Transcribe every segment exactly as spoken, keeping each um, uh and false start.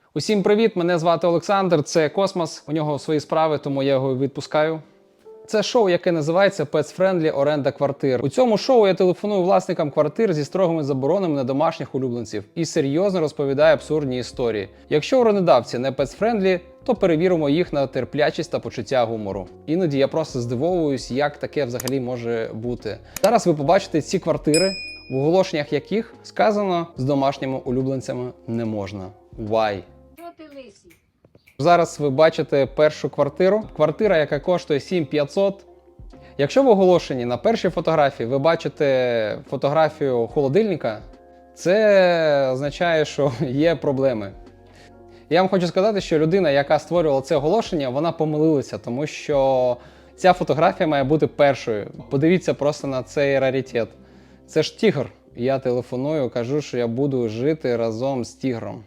Усім привіт! Мене звати Олександр, це Космос. У нього свої справи, тому я його відпускаю. Це шоу, яке називається Pets Friendly оренда квартир. У цьому шоу я телефоную власникам квартир зі строгими заборонами на домашніх улюбленців і серйозно розповідаю абсурдні історії. Якщо орендодавці не Pets Friendly, то перевіримо їх на терплячість та почуття гумору. Іноді я просто здивовуюсь, як таке взагалі може бути. Зараз ви побачите ці квартири, в оголошеннях яких сказано з домашніми улюбленцями не можна. Why? Зараз ви бачите першу квартиру. Квартира, яка коштує сім тисяч п'ятсот. Якщо в оголошенні на першій фотографії ви бачите фотографію холодильника, це означає, що є проблеми. Я вам хочу сказати, що людина, яка створювала це оголошення, вона помилилася, тому що ця фотографія має бути першою. Подивіться просто на цей раритет. Це ж тігр. Я телефоную, кажу, що я буду жити разом з тігром.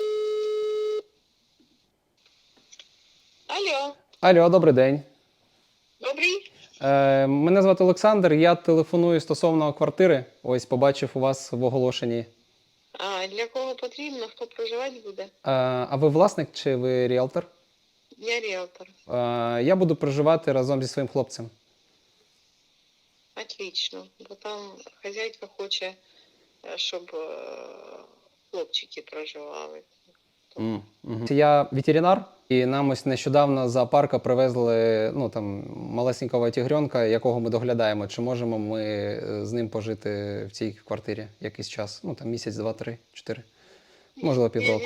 Алло. Алло, добрий день. Добрий. Е, мене звати Олександр, я телефоную стосовно квартири. Ось побачив у вас в оголошенні. А для кого потрібно, хто проживати буде? Е, а ви власник чи ви ріелтор? Я ріелтор. Е, я буду проживати разом зі своїм хлопцем. Отлично. Бо там хазяйка хоче, щоб е, хлопчики проживали. Mm, mm-hmm. Я ветеринар, і нам ось нещодавно з зоопарка привезли ну, там, малесенького тігренка, якого ми доглядаємо. Чи можемо ми з ним пожити в цій квартирі якийсь час? Ну, там місяць, два, три, чотири. Можливо, півроку.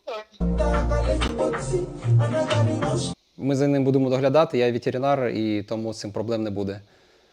Ми за ним будемо доглядати, я ветеринар, і тому з цим проблем не буде.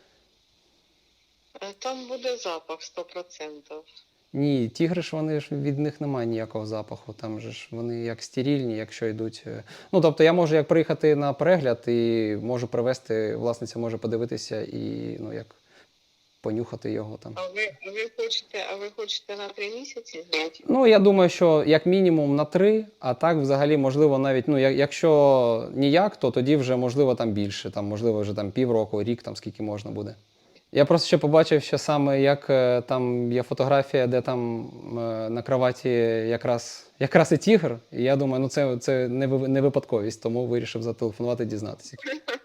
Там буде запах сто відсотків. Ні, тігри ж вони ж від них немає ніякого запаху. Там же ж вони як стерильні, якщо йдуть. Ну, тобто я можу як приїхати на перегляд і можу привезти, власниця може подивитися і ну як понюхати його там. А ви, ви хочете, а ви хочете на три місяці зняти? Ну, я думаю, що як мінімум на три, а так взагалі можливо навіть, ну, якщо ніяк, то тоді вже можливо там більше, там можливо вже там півроку, рік, там скільки можна буде. Я просто ще побачив, що саме як там є фотографія, де там на кроваті якраз, якраз і тігр. І я думаю, ну це, це не, не випадковість, тому вирішив зателефонувати, дізнатися.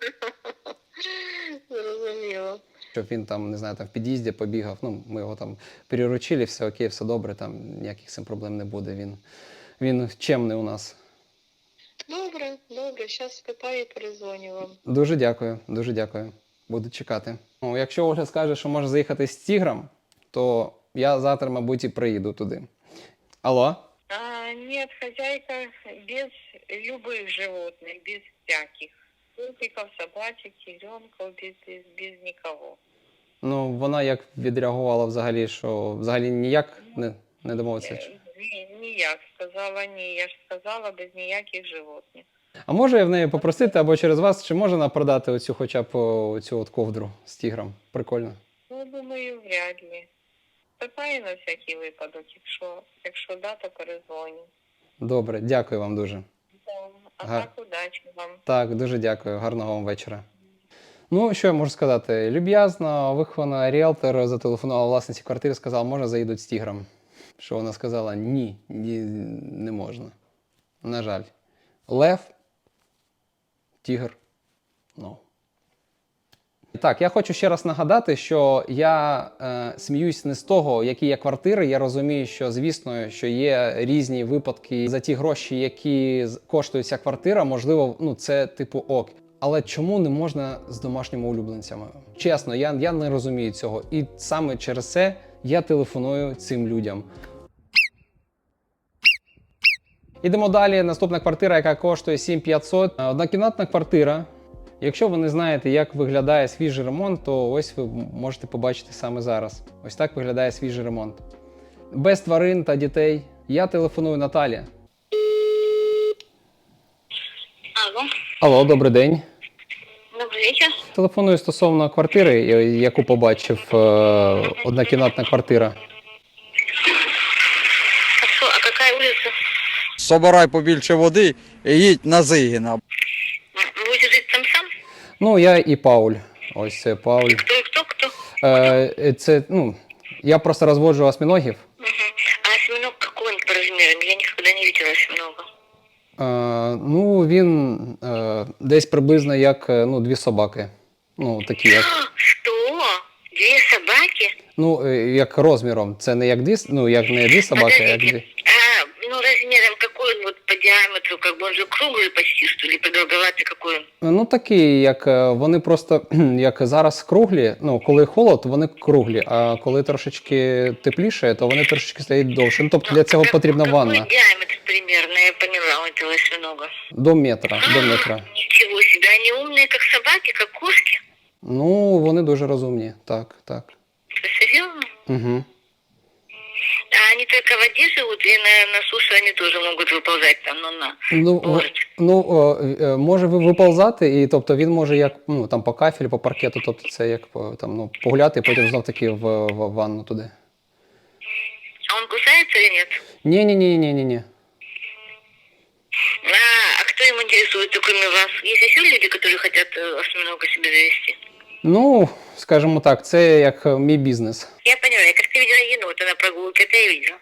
Зрозуміло. Щоб він там, не знаю, там в під'їзді побігав, ну ми його там переручили, все окей, все добре, там ніяких з цим проблем не буде. Він, він чемний у нас. Добре, добре, зараз спитаю і перезвоню вам. Дуже дякую, дуже дякую. Буду чекати. Ну, якщо Ольга скаже, що може заїхати з тігром, то я завтра, мабуть, і приїду туди. Алло? А, нет, хозяйка без любых животных, без всяких. Котиков, собачек, тигренков, без, без, без никого. Ну, вона як відреагувала взагалі, що взагалі ніяк не, не домовиться? Е, Ні, ніяк, сказала ні, я ж сказала без ніяких животних. А може я в неї попросити або через вас, чи може вона продати оцю хоча б оцю от ковдру з тігром? Прикольно. Ну, думаю, вряд ли. Питаю на всякий випадок, якщо, якщо да, то перезвоню. Добре, дякую вам дуже. А Гар... так, удачі вам. Так, дуже дякую. Гарного вам вечора. Ну, що я можу сказати? Люб'язно, вихована ріелтор зателефонувала власниці квартири, сказала, можна заїдуть з тігром. Що вона сказала, ні, ні, не можна. На жаль. Лев, тігр, ну. Так, я хочу ще раз нагадати, що я е, сміюсь не з того, які є квартири. Я розумію, що, звісно, що є різні випадки за ті гроші, які коштує ця квартира, можливо, ну, це типу ок. Але чому не можна з домашніми улюбленцями? Чесно, я, я не розумію цього. І саме через це я телефоную цим людям. Ідемо далі. Наступна квартира, яка коштує сім тисяч п'ятсот. Однокімнатна квартира. Якщо ви не знаєте, як виглядає свіжий ремонт, то ось ви можете побачити саме зараз. Ось так виглядає свіжий ремонт. Без тварин та дітей. Я телефоную Наталі. Алло. Алло, добрий день. Добрий вечір. Телефоную стосовно квартири, яку побачив, однокімнатна квартира. Хорошо, а яка вулиця? Собирай побільше води і їдь на Зигіна. Ви будете жити там сам? Ну, я і Пауль. Ось це Пауль. Хто, хто, хто? Е, це, ну, я просто розводжу осьминогів. Угу. А осьминог какой он по размерам? Я никогда не видела осьминога. Е, ну, він е, десь приблизно як е, ну, дві собаки. Ну, такі як. Что? Две собаки? Ну, е, як розміром. Це не як дві, с- ну, як не дві собаки, а як Подождите, дві. а, ну размером какой он вот по диаметру, как бы он же круглый почти, что ли, продолговатый какой он? Ну, такі, як е, вони просто, як зараз круглі, ну, коли холод, вони круглі, а коли трошечки тепліше, то вони трошечки стають довше. Ну, тобто для цього Как- потрібна какой ванна. диаметр примерно, я поняла, у этого осьминога. До метра, до метра. Ничего себе, они умные, как собаки, как кошки. Ну, вони дуже розумні, так, так. Ты серьезно? Угу. А они только в воде живут, и на, на суше они тоже могут выползать там, ну на. Ну, в- Можуть. ну о, е, може ви- виползати, і тобто він може як ну, там, по кафелю, по паркету, тобто це як по- там, ну, погуляти, і потім знов таки в, в ванну туди. А он кусается или нет? Ні-ні-ні-ні-ні. А, а кто им интересуется, кроме вас? Есть еще люди, которые хотят э, осьминога себе завести? Ну, скажімо так, це як е, мій бізнес. Я поняла, я как-то видела енота на прогулке, это я видела.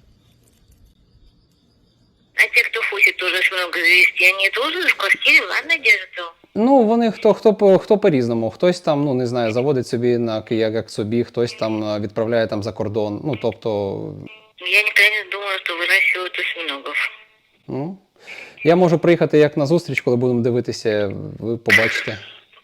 А те, кто хочет тоже осьминога завести, они тоже в квартире, в ванной держат его? Ну, вони хто, хто, по- хто по-різному. Хтось там, ну, не знаю, заводить собі на як, як собі, хтось там е, відправляє там за кордон. Ну, тобто, Я никогда не думала, что выращивают осьминогов. ну, я можу приїхати як на зустріч, коли будемо дивитися, ви побачите.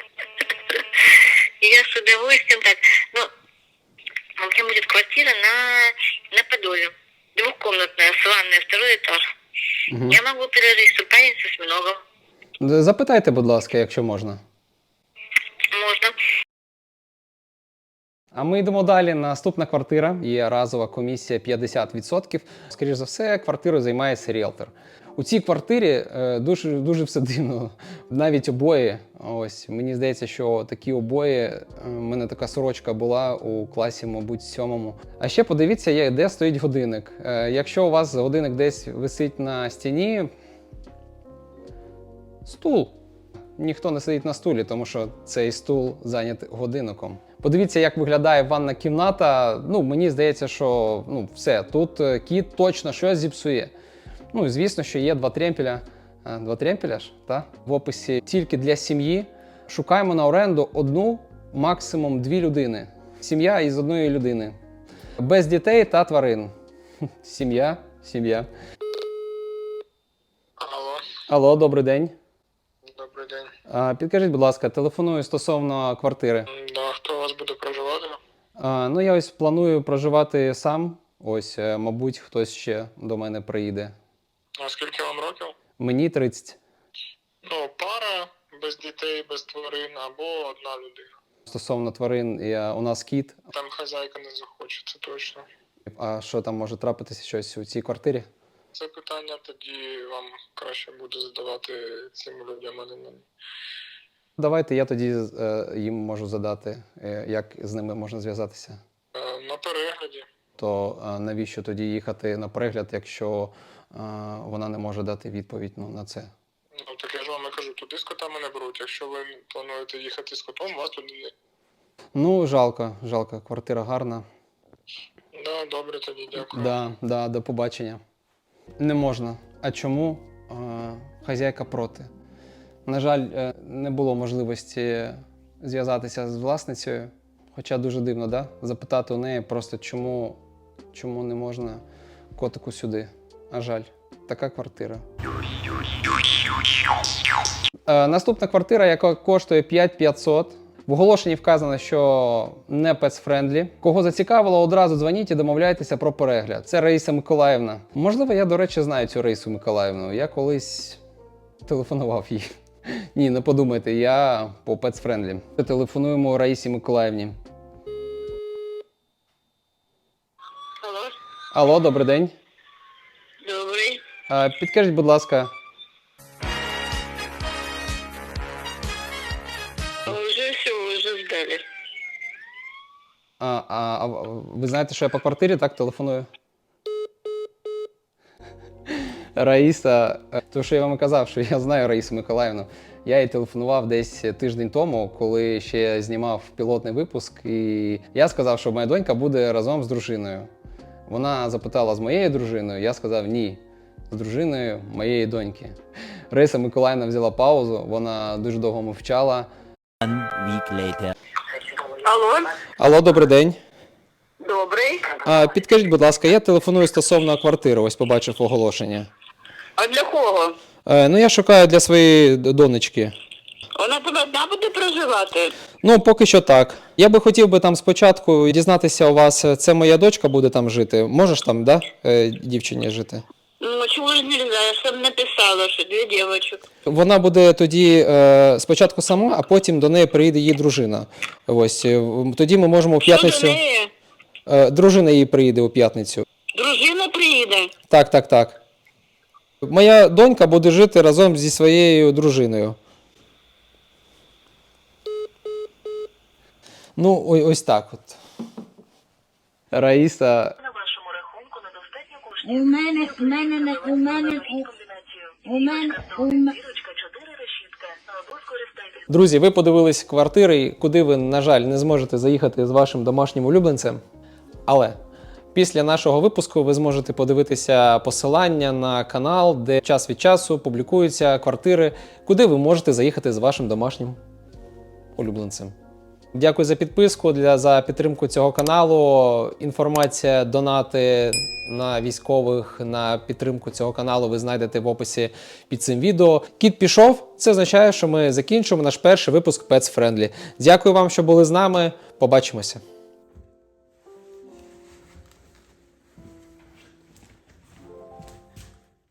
И я с удовольствием так, ну, у меня будет квартира на, на Подоле. Двухкомнатная, с ванной, второй этаж. Мгм. Я могу предложить, что парень с осьминогом. Запитайте, будь ласка, якщо можна. Можно. А ми йдемо далі. Наступна квартира. Є разова комісія п'ятдесят відсотків. Скоріше за все, квартирою займається ріелтор. У цій квартирі е, дуже, дуже все дивно. Навіть обої. Ось, мені здається, що такі обої, е, у мене така сорочка була у класі, мабуть, сьомому. А ще подивіться, є, де стоїть годинник. Е, якщо у вас годинник десь висить на стіні, стул. Ніхто не сидить на стулі, тому що цей стул зайнятий годинником. Подивіться, як виглядає ванна кімната. Ну, мені здається, що ну, все, тут е, кіт точно щось зіпсує. Ну, і звісно, що є два тремпеля. А, два тремпеля ж, та? В описі тільки для сім'ї. Шукаємо на оренду одну, максимум дві людини. Сім'я із одної людини. Без дітей та тварин. Сім'я, сім'я. Алло, Алло, добрий день. добрий день. А, Підкажіть, будь ласка, телефоную стосовно квартири. М, Да, хто у вас буде проживати? А, ну, я ось планую проживати сам. Ось, е, мабуть, хтось ще до мене приїде. А скільки вам років? Мені тридцять. Ну, пара, без дітей, без тварин або одна людина. Стосовно тварин, я, у нас кіт. Там хазяйка не захоче, це точно. А що там може трапитися щось у цій квартирі? Це питання тоді вам краще буде задавати цим людям, а не мені. Давайте я тоді е, їм можу задати, е, як з ними можна зв'язатися. Е, На перегляді. То е, навіщо тоді їхати на перегляд, якщо е, вона не може дати відповідь ну, на це? Ну, так я ж вам і кажу, туди з котами не беруть. Якщо ви плануєте їхати з котом, вас туди не... Ну, жалко, жалко, квартира гарна. Да, добре, тоді дякую. Да, да, до побачення. Не можна. А чому? Е, хазяйка проти. На жаль, е, не було можливості зв'язатися з власницею. Хоча дуже дивно, да? Запитати у неї просто, чому, чому не можна котику сюди. А жаль, така квартира. Е, наступна квартира, яка коштує п'ять п'ятсот. В оголошенні вказано, що не pets-friendly. Кого зацікавило, одразу дзвоніть і домовляйтеся про перегляд. Це Раїса Миколаївна. Можливо, я, до речі, знаю цю Раїсу Миколаївну. Я колись телефонував їй. Ні, не подумайте, я по pets-friendly. Телефонуємо Раїсі Миколаївні. Алло, Алло, добрий день. добрый. Е, Підкажіть, будь ласка, Уже все, уже сдали. а, а, а ви знаєте, що я по квартирі так телефоную? Раїса, е, то що я вам і казав, що я знаю Раїсу Миколаївну. Я їй телефонував десь тиждень тому, коли ще знімав пілотний випуск, і я сказав, що моя донька буде разом з дружиною. Вона запитала з моєю дружиною, я сказав ні. з дружиною моєї доньки. Раїса Миколаївна взяла паузу, вона дуже довго мовчала. Алло, Алло, добрий день. добрий. А, підкажіть, будь ласка, я телефоную стосовно квартири, ось побачив оголошення. А для кого? Е, ну, я шукаю для своєї д- донечки. Вона тут одна буде проживати? Ну, поки що так. Я би хотів би там спочатку дізнатися у вас, це моя дочка буде там жити. Можеш там, да, е, дівчині жити? Ну, чего же нельзя? Я же там написала, что две девочек. Вона буде тоді е, спочатку сама, а потім до неї приїде її дружина. Ось, е, в- тоді ми можемо у Що до п'ятницю... неї? Е, дружина її приїде у п'ятницю. Дружина приїде? Так, так, так. Моя донька буде жити разом зі своєю дружиною. Ну, ой- ось так от. Раїса. На вашому рахунку недостатньо коштів. У мене, у мене, не- у мене, у, у мене, у мене. Зірочка чотири решітка. Або скористайтесь. Друзі, ви подивились квартири, куди ви, на жаль, не зможете заїхати з вашим домашнім улюбленцем. Але після нашого випуску ви зможете подивитися посилання на канал, де час від часу публікуються квартири, куди ви можете заїхати з вашим домашнім улюбленцем. Дякую за підписку, для, за підтримку цього каналу. Інформація, донати на військових, на підтримку цього каналу ви знайдете в описі під цим відео. Кіт пішов, це означає, що ми закінчимо наш перший випуск Pets Friendly. Дякую вам, що були з нами. Побачимося.